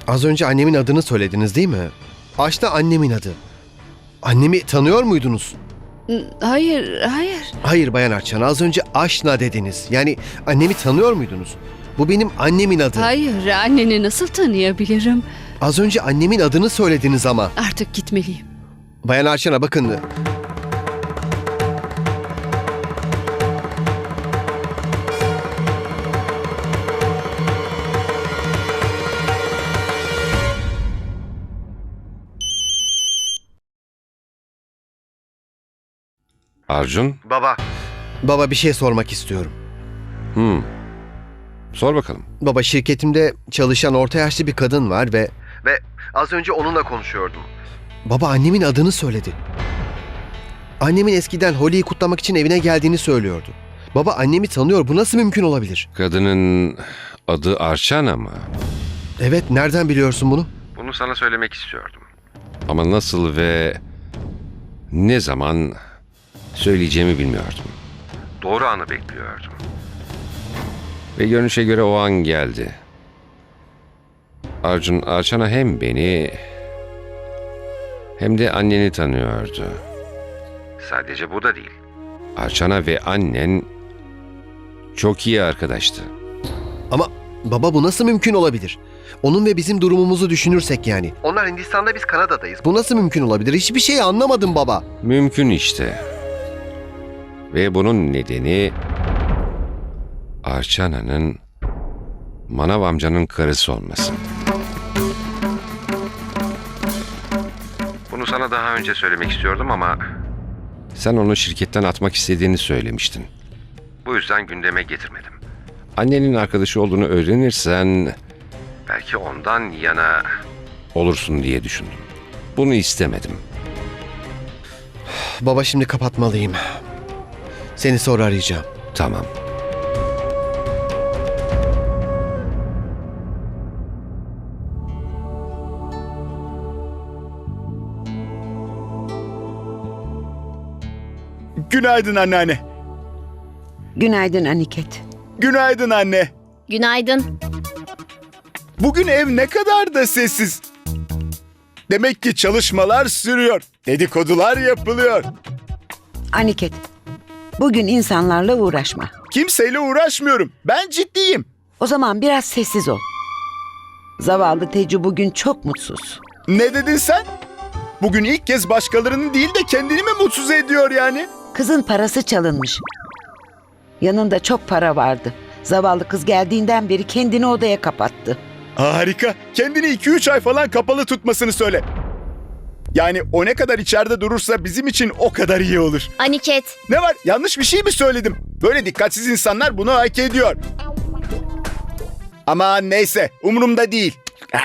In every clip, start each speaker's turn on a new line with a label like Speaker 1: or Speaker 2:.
Speaker 1: Az önce annemin adını söylediniz değil mi? Aşna annemin adı. Annemi tanıyor muydunuz?
Speaker 2: Hayır, hayır.
Speaker 1: Hayır Bayan Arçana, az önce Aşna dediniz. Yani annemi tanıyor muydunuz? Bu benim annemin adı.
Speaker 2: Hayır, anneni nasıl tanıyabilirim?
Speaker 1: Az önce annemin adını söylediniz ama.
Speaker 2: Artık gitmeliyim.
Speaker 1: Bayan Arçana bakın.
Speaker 3: Arjun?
Speaker 1: Baba bir şey sormak istiyorum.
Speaker 3: Sor bakalım.
Speaker 1: Baba, şirketimde çalışan orta yaşlı bir kadın var ve az önce onunla konuşuyordum. Baba annemin adını söyledi. Annemin eskiden Holi'yi kutlamak için evine geldiğini söylüyordu. Baba annemi tanıyor. Bu nasıl mümkün olabilir?
Speaker 3: Kadının adı Arçana mı?
Speaker 1: Evet, nereden biliyorsun bunu?
Speaker 3: Bunu sana söylemek istiyordum. Ama nasıl ve ne zaman söyleyeceğimi bilmiyordum. Doğru anı bekliyordum. Ve görünüşe göre o an geldi. Arçana hem beni hem de anneni tanıyordu. Sadece bu da değil. Arçana ve annen çok iyi arkadaştı.
Speaker 1: Ama baba bu nasıl mümkün olabilir? Onun ve bizim durumumuzu düşünürsek yani. Onlar Hindistan'da, biz Kanada'dayız. Bu nasıl mümkün olabilir? Hiçbir şey anlamadım baba.
Speaker 3: Mümkün işte. Ve bunun nedeni Arçana'nın Manav amcanın karısı olması. Bunu sana daha önce söylemek istiyordum ama sen onu şirketten atmak istediğini söylemiştin. Bu yüzden gündeme getirmedim. Annenin arkadaşı olduğunu öğrenirsen belki ondan yana olursun diye düşündüm. Bunu istemedim.
Speaker 1: Baba şimdi kapatmalıyım. Seni sonra arayacağım.
Speaker 3: Tamam.
Speaker 4: Günaydın anneanne.
Speaker 5: Günaydın Aniket.
Speaker 4: Günaydın anne.
Speaker 6: Günaydın.
Speaker 4: Bugün ev ne kadar da sessiz. Demek ki çalışmalar sürüyor. Dedikodular yapılıyor.
Speaker 5: Aniket, bugün insanlarla uğraşma.
Speaker 4: Kimseyle uğraşmıyorum. Ben ciddiyim.
Speaker 5: O zaman biraz sessiz ol. Zavallı Tecu bugün çok mutsuz.
Speaker 4: Ne dedin sen? Bugün ilk kez başkalarının değil de kendini mi mutsuz ediyor yani?
Speaker 5: Kızın parası çalınmış. Yanında çok para vardı. Zavallı kız geldiğinden beri kendini odaya kapattı.
Speaker 4: Harika. Kendini 2-3 ay falan kapalı tutmasını söyle. Yani o ne kadar içeride durursa bizim için o kadar iyi olur.
Speaker 6: Aniket.
Speaker 4: Ne var? Yanlış bir şey mi söyledim? Böyle dikkatsiz insanlar bunu hak ediyor. Ama neyse, umurumda değil.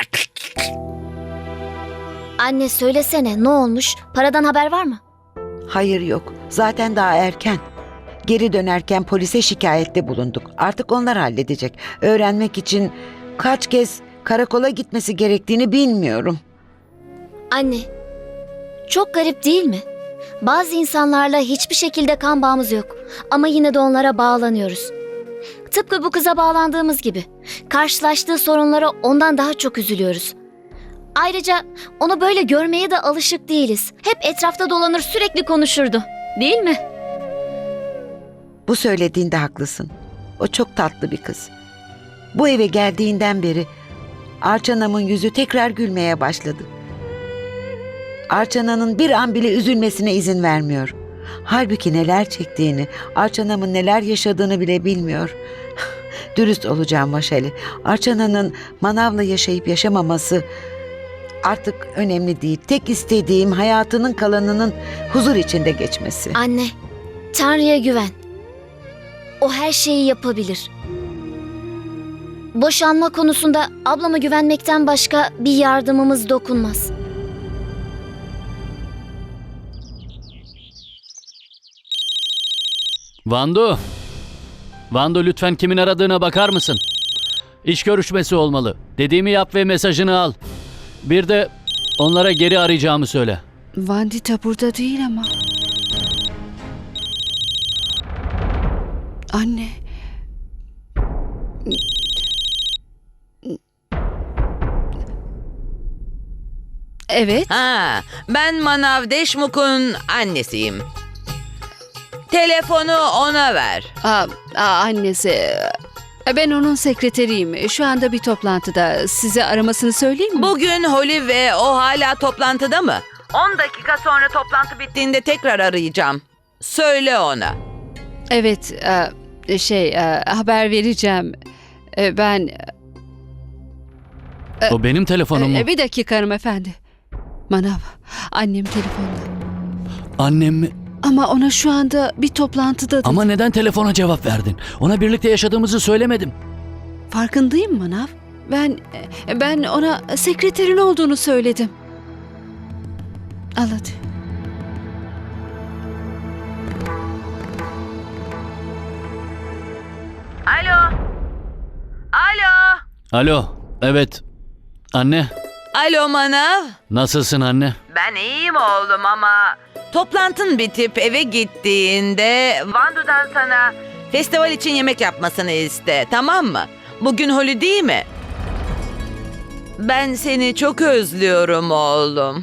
Speaker 6: Anne söylesene, ne olmuş? Paradan haber var mı?
Speaker 5: Hayır yok. Zaten daha erken. Geri dönerken polise şikayette bulunduk. Artık onlar halledecek. Öğrenmek için kaç kez karakola gitmesi gerektiğini bilmiyorum.
Speaker 6: Anne, çok garip değil mi? Bazı insanlarla hiçbir şekilde kan bağımız yok. Ama yine de onlara bağlanıyoruz. Tıpkı bu kıza bağlandığımız gibi. Karşılaştığı sorunlara ondan daha çok üzülüyoruz. Ayrıca onu böyle görmeye de alışık değiliz. Hep etrafta dolanır, sürekli konuşurdu. Değil mi?
Speaker 5: Bu söylediğinde haklısın. O çok tatlı bir kız. Bu eve geldiğinden beri Arçana'nın yüzü tekrar gülmeye başladı. Arçana'nın bir an bile üzülmesine izin vermiyor. Halbuki neler çektiğini, Arçana'nın neler yaşadığını bile bilmiyor. Dürüst olacağım Vaşali. Arçana'nın manavla yaşayıp yaşamaması artık önemli değil. Tek istediğim hayatının kalanının huzur içinde geçmesi.
Speaker 6: Anne, Tanrı'ya güven. O her şeyi yapabilir. Boşanma konusunda ablama güvenmekten başka bir yardımımız dokunmaz.
Speaker 7: Vandu. Vandu lütfen kimin aradığına bakar mısın? İş görüşmesi olmalı. Dediğimi yap ve mesajını al. Bir de onlara geri arayacağımı söyle.
Speaker 2: Vandita burada değil ama. Anne. Evet.
Speaker 8: Ha, ben Manav Deşmuk'un annesiyim. Telefonu ona ver.
Speaker 2: Annesi. Ben onun sekreteriyim. Şu anda bir toplantıda. Size aramasını söyleyeyim mi?
Speaker 8: Bugün Holly ve o hala toplantıda mı? 10 dakika sonra toplantı bittiğinde tekrar arayacağım. Söyle ona.
Speaker 2: Evet. Haber vereceğim. Ben...
Speaker 7: O benim telefonum mu?
Speaker 2: Bir dakika hanımefendi. Manav, annem telefonda.
Speaker 7: Annem mi?
Speaker 2: Ama ona şu anda bir toplantıda dedi.
Speaker 7: Ama neden telefona cevap verdin? Ona birlikte yaşadığımızı söylemedim.
Speaker 2: Farkındayım Manav. Ben ona sekreterin olduğunu söyledim. Al hadi.
Speaker 8: Alo. Alo.
Speaker 7: Alo, evet. Anne,
Speaker 8: Alo Manav.
Speaker 7: nasılsın anne?
Speaker 8: Ben iyiyim oğlum ama toplantın bitip eve gittiğinde Vandu'dan sana festival için yemek yapmasını iste, tamam mı? Bugün Holly değil mi? Ben seni çok özlüyorum oğlum.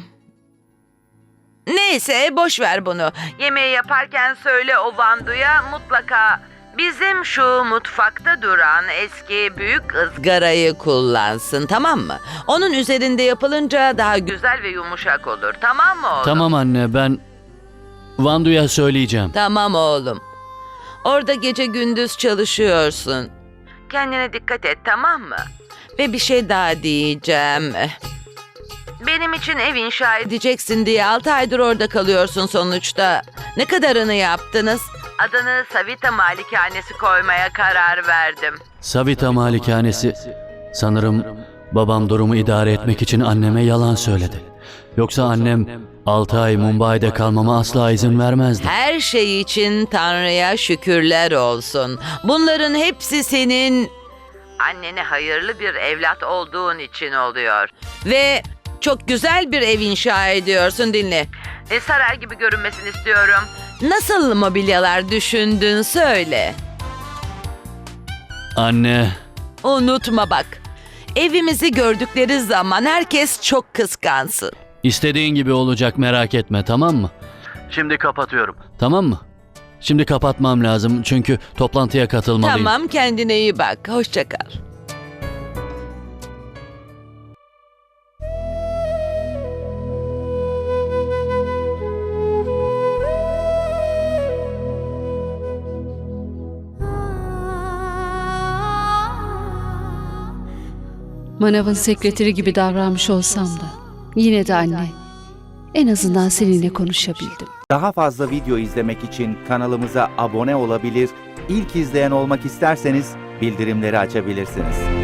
Speaker 8: Neyse boş ver bunu. Yemeği yaparken söyle o Vandu'ya mutlaka bizim şu mutfakta duran eski büyük ızgarayı kullansın, tamam mı? Onun üzerinde yapılınca daha güzel ve yumuşak olur, tamam mı oğlum?
Speaker 7: Tamam anne, ben Vandu'ya söyleyeceğim.
Speaker 8: Tamam oğlum. Orada gece gündüz çalışıyorsun. Kendine dikkat et, tamam mı? Ve bir şey daha diyeceğim. Benim için ev inşa edeceksin diye 6 aydır orada kalıyorsun sonuçta. Ne kadarını yaptınız? Adını Savita Malikanesi koymaya karar verdim.
Speaker 7: Savita Malikanesi. Sanırım babam durumu idare etmek için anneme yalan söyledi. Yoksa annem 6 ay Mumbai'de kalmama asla izin vermezdi.
Speaker 8: Her şey için Tanrı'ya şükürler olsun. Bunların hepsi senin annene hayırlı bir evlat olduğun için oluyor. Ve çok güzel bir ev inşa ediyorsun, dinle. Saray gibi görünmesini istiyorum. Nasıl mobilyalar düşündün söyle.
Speaker 7: Anne,
Speaker 8: Unutma bak. Evimizi gördükleri zaman herkes çok kıskansın.
Speaker 7: istediğin gibi olacak, merak etme, tamam mı? Şimdi kapatıyorum. Tamam mı? Şimdi kapatmam lazım çünkü toplantıya katılmalıyım.
Speaker 8: Tamam, kendine iyi bak. Hoşça kal.
Speaker 2: Manav'ın sekreteri gibi davranmış olsam da yine de anne. En azından seninle konuşabildim.
Speaker 9: Daha fazla video izlemek için kanalımıza abone olabilir, ilk izleyen olmak isterseniz bildirimleri açabilirsiniz.